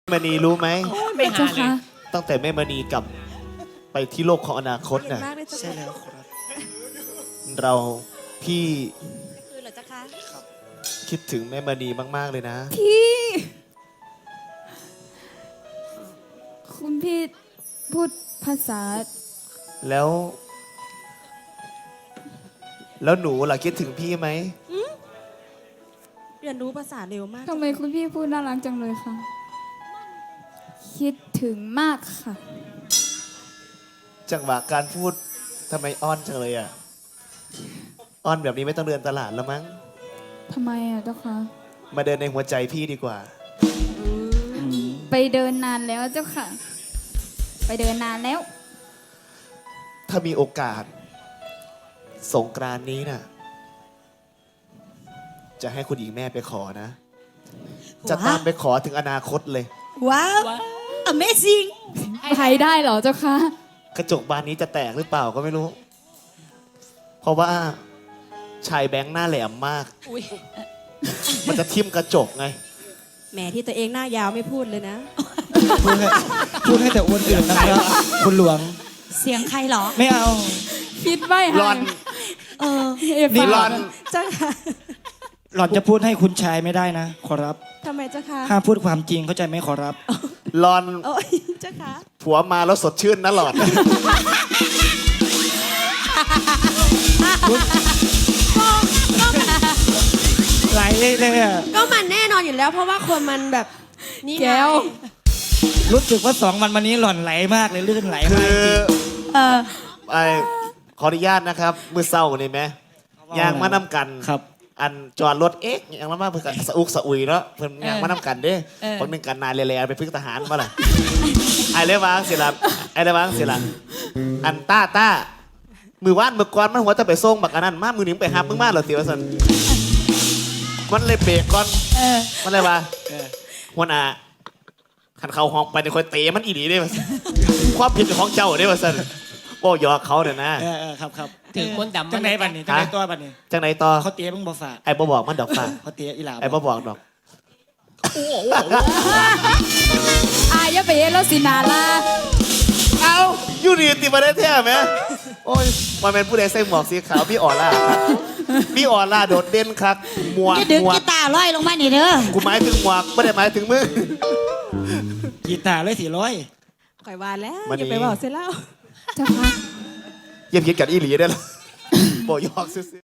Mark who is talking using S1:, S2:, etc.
S1: มณีรู้ไหม
S2: ไม่หาเลย
S1: ตั้งแต่แม่มณีกลับไปที่โลกของอนาคตน่ะ
S3: ใช่แล้วครับ
S1: เราพี่
S4: คือเหรอจ๊ะคะ
S1: คิดถึงแม่มณีมากๆเลยนะ
S2: พี่คุณพี่พูดภาษา
S1: แล้ว หนูล่ะคิดถึงพี่ไหม
S4: เรียนรู้ภาษาเร็วมาก
S2: ทำไมคุณพี่พูดน่ารักจังเลยคะคิดถึงมากค่ะ
S1: จังหวะการพูดทำไมอ้อนจังเลยอ่ะอ้อนแบบนี้ไม่ต้องเดินตลาดแล้วมั้ง
S2: ทำไมอ่ะเจ้าคะ
S1: มาเดินในหัวใจพี่ดีกว่า
S2: ไปเดินนานแล้วเจ้าค่ะ ไปเดินนานแล้ว
S1: ถ้ามีโอกาสสงกรานต์นี้น่ะ จะให้คุณหญิงแม่ไปขอนะ จะตามไปขอถึงอนาคตเลย
S4: ว้าว Amazing
S2: ไปได้เหรอเจ้าคะ
S1: กระจกบานนี้จะแตกหรือเปล่าก็ไม่รู้ เพราะว่าชายแบงค์หน้าแหลมมาก
S4: อุ๊ย
S1: มันจะทิ่มกระจกไง
S4: แหมที่ตัวเองหน้ายาวไม่พูดเลยนะ
S3: พูดให้แต่อ้วนอื่นนะครับคุณหลวง
S4: เสียงใครเหรอ
S3: ไม่เอา
S2: คิดไว้
S1: หลอน
S4: เออ
S1: นี่หลอน
S4: จ้าค่ะ
S3: หล่อนจะพูดให้คุณชายไม่ได้นะ ขอรับ
S4: ทำไมจ้าค่ะ
S3: ห้ามพูดความจริงเข้าใจไหมขอรับ
S1: หลอน
S4: โอ้ยจ้าค่ะ
S1: ผัวมาแล้วสดชื่นนะหลอน
S3: ไหลเลยอะ
S4: ก็มันแน่นอนอยู่แล้ว เพราะว่าคนมันแบบนี่ไง
S2: แก้ว
S3: รู้สึกว่า2 วันนี้หล่อนไหลมากเลยลื่นไหล
S1: คื
S3: มาก
S1: อ
S3: จริง
S4: เออ
S1: ไอขออนุญาตนะครับ มือเศร้านี่ไหมยางมาน้ำกัน
S3: ครับ
S1: อันจอดรถเอ๊ะยังมาเพื่อสะอุกสะอุยเนาะเพิ่นยางมาน้ำกันเด้บางหนึ่งกันนายแล่ๆไปพึ่งทหารมาล่ะ ไอ้เลยวางสิละไอ้เลยวางสิละอันต้ามือว่านมือก้อนมันหัวจะไปส่งบักอันนั้นมามือหนึ่งไปหามึงมาเหรอเตียวสันมันเลยเบรกก่อนมันเลยว่าหัวหน้าขันเขาห้องไปในคอยเตะมันอีหลีได้ป่ะความผิดของเจ้าได้ป่ะสันโอ้ยอกเขาเนี่ยนะ
S3: ครับครับ
S2: ถึงคนดำ
S3: จังไหนบัดนี้จังไหนตัวบัดนี้
S1: จังไหนต่อ
S3: เขาเตี้ยมึงบ่ฝาก
S1: ไอ้บ่บอกมันดอกฟ้า
S3: เขาเตี้ยอีหลา
S1: ไอ้บ่บอกดอก
S2: อายอย่าไปเห็นแล้วสินาลา
S1: เอาอยู่ดีติมาได้แท้ไหมโอ้ยมันเป็นผู้ใดใส่หมวกสีขาวพี่อ่อนล่าครับพี่อ่อนล่าโดดเด่นครับหมวก
S4: จะดึง
S1: หมว
S4: กี
S1: ก
S4: ตาร์ลอยลงมานี่เด้อ
S1: กูหมายถึงหมวกไม่ได้หมายถึงมึง
S3: กีตาร์เลย400
S4: ข่อยวานแล้ว
S1: วันนี้
S4: อย่าไปบอกเสียแล้ว
S2: เจ้าคะ
S1: เยี่ยมคิดกันอีหลีได้หรอโบยอกซื้อ